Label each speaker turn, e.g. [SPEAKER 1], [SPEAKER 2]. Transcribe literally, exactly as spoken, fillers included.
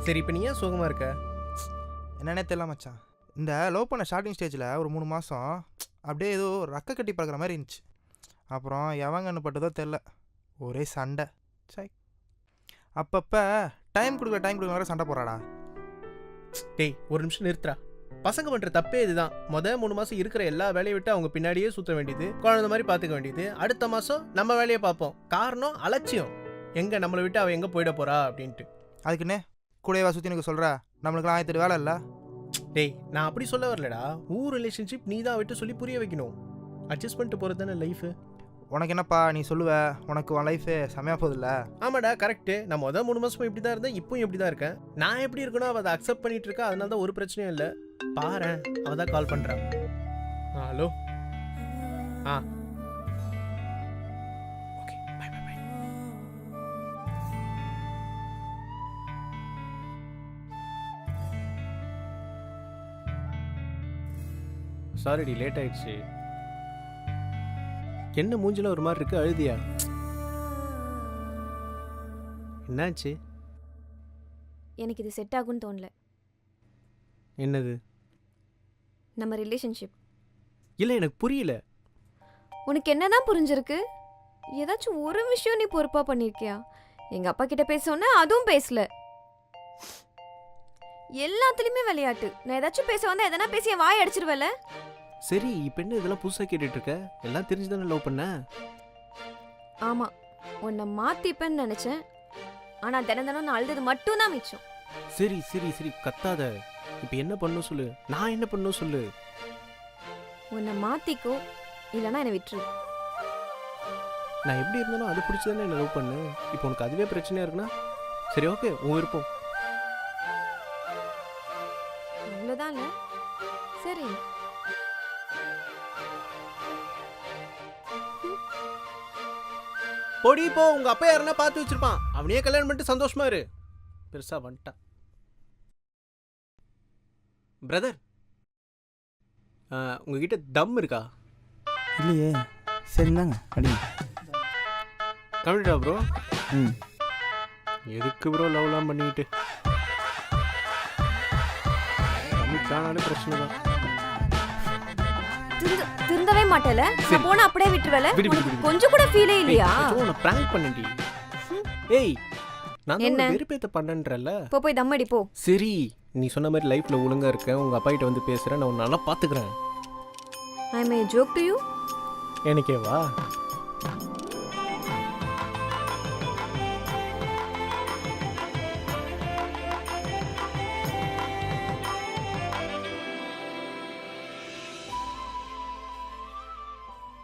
[SPEAKER 1] சரி இப்போ நீ ஏன் சோகமாக இருக்க?
[SPEAKER 2] என்னன்னே தெரியல மச்சான். இந்த லவ் பண்ண ஸ்டார்டிங் ஸ்டேஜில் ஒரு மூணு மாதம் அப்படியே ஏதோ ரக்க கட்டி பார்க்குற மாதிரி இருந்துச்சு. அப்புறம் எவங்கன்னு பட்டதோ தெரில, ஒரே சண்டை. சை, அப்பப்போ டைம் கொடுக்குற டைம் கொடுக்குற மாதிரி சண்டை போடுறாடா.
[SPEAKER 1] டேய் ஒரு நிமிஷம் நிறுத்துறா. பசங்க பண்ணுற தப்பே இதுதான். மொதல் மூணு மாதம் இருக்கிற எல்லா வேலையை விட்டு அவங்க பின்னாடியே சுற்ற வேண்டியது, குழந்தை மாதிரி பார்த்துக்க வேண்டியது. அடுத்த மாதம் நம்ம வேலையை பார்ப்போம். காரணம் அலட்சியம். எங்கே நம்மளை விட்டு அவள் எங்கே போயிட போகிறா அப்படின்ட்டு.
[SPEAKER 2] அதுக்குன்னே கூடவா சுற்றி எனக்கு சொல்கிற? நம்மளுக்குலாம் ஆயிரத்து வேலை இல்லை.
[SPEAKER 1] டேய் நான் அப்படி சொல்ல வரலடா. ஊர் ரிலேஷன்ஷிப் நீ தான் விட்டு சொல்லி புரிய வைக்கணும். அட்ஜஸ்ட் பண்ணிட்டு போகிறது தானே லைஃபு.
[SPEAKER 2] உனக்கு என்னப்பா நீ சொல்லுவ? உனக்கு உன் லைஃபு செம்மையாக போகுதுல்ல?
[SPEAKER 1] ஆமாடா கரெக்டு. நான் மொதல் மூணு மாதமும் இப்படி தான் இருந்தேன், இப்பவும் இப்படி தான் இருக்கேன். நான் எப்படி இருக்கணும் அவள் அதை அக்செப்ட் பண்ணிட்டு இருக்கா. அதனால தான் ஒரு பிரச்சனையும் இல்லை. பாரு அவள் தான் கால் பண்ணுறான். Ah hello. Ah okay bye bye bye. சாரிடி லேட் ஆயிடுச்சு. என்ன மூஞ்சில ஒரு மாதிரி இருக்கு, அழுதியா? என்னாச்சு?
[SPEAKER 3] எனக்கு இது செட் ஆகும்னு தோணல.
[SPEAKER 1] என்னது?
[SPEAKER 3] நம்ம ரிலேஷன்ஷிப்.
[SPEAKER 1] இல்லை எனக்கு புரியல.
[SPEAKER 3] உனக்கு என்னதான் புரிஞ்சிருக்கு? ஏதாச்சும் ஒரு விஷயம் நீ பொறுப்பா பண்ணிருக்கியா? எங்க அப்பா கிட்ட பேசணும்னா அதுவும் பேசல. எல்லாத்துலயுமே விளையாட்டு. நான் ஏதாச்சும் பேச வந்தா எதனா பேசி என் வாய் அடிச்சிருவல.
[SPEAKER 1] சரி இப்போ என்ன இதெல்லாம் புதுசாக கேட்டுட்டு இருக்க? எல்லாம் தெரிஞ்சுதானே லவ் பண்ண?
[SPEAKER 3] ஆமா, உன்னை மாத்திப்பேன்னு நினைச்சேன். ஆனா தினம் தினம் நான் அழுது மட்டும் தான் மிச்சம்.
[SPEAKER 1] சரி சரி சரி கத்தாத. இப்போ என்ன பண்ணணும் சொல்லு, நான் என்ன பண்ணணும் சொல்லு.
[SPEAKER 3] உன்னை மாத்திக்கோ, இல்லைன்னா என்னை விட்டுரு.
[SPEAKER 1] நான் எப்படி இருந்தாலும் அது பிடிச்சதானே என்ன லவ் பண்ணு. இப்போ உனக்கு அதுவே பிரச்சனையா இருக்குன்னா சரி ஓகே, உன் விருப்பம்.
[SPEAKER 3] அவ்வளோதான்ல. சரி
[SPEAKER 1] பொடி போ. உங்க அப்பா யாருன்னா பார்த்து வச்சிருப்பான். அவனையே கல்யாணம் பண்ணிட்டு சந்தோஷமா இரு. பெருசா வந்துட்டான். பிரதர் உங்ககிட்ட தம் இருக்கா?
[SPEAKER 2] இல்லையே. சரிந்தாங்க அடி.
[SPEAKER 1] கம்மிட்டா ப்ரோ?
[SPEAKER 2] ம்.
[SPEAKER 1] எதுக்கு ப்ரோ லவ்லாம் பண்ணிக்கிட்டு? கம்மிட்டானாலே பிரச்சனை தான்.
[SPEAKER 3] திருந்தவே மாட்டேல. நான் போனா அப்படியே விட்டுருவல.
[SPEAKER 1] விடு விடு விடு.
[SPEAKER 3] கொஞ்சம் கூட ஃபீலே இல்லையா?
[SPEAKER 1] நான் பிராங்க் பண்ணேன்டி. ஏய் நான் என்ன வெறுப்பேத்த பண்ணன்றல.
[SPEAKER 3] போ போய் தம் அடி போ.
[SPEAKER 1] சரி நீ சொன்ன மாதிரி லைஃப்ல ஒழுங்கா இருக்கேன். உங்க அப்பா கிட்ட வந்து பேசுறேன். நான் உன்னை நல்லா பாத்துக்கிறேன்.
[SPEAKER 3] I may joke to you.
[SPEAKER 1] எனக்கே வா.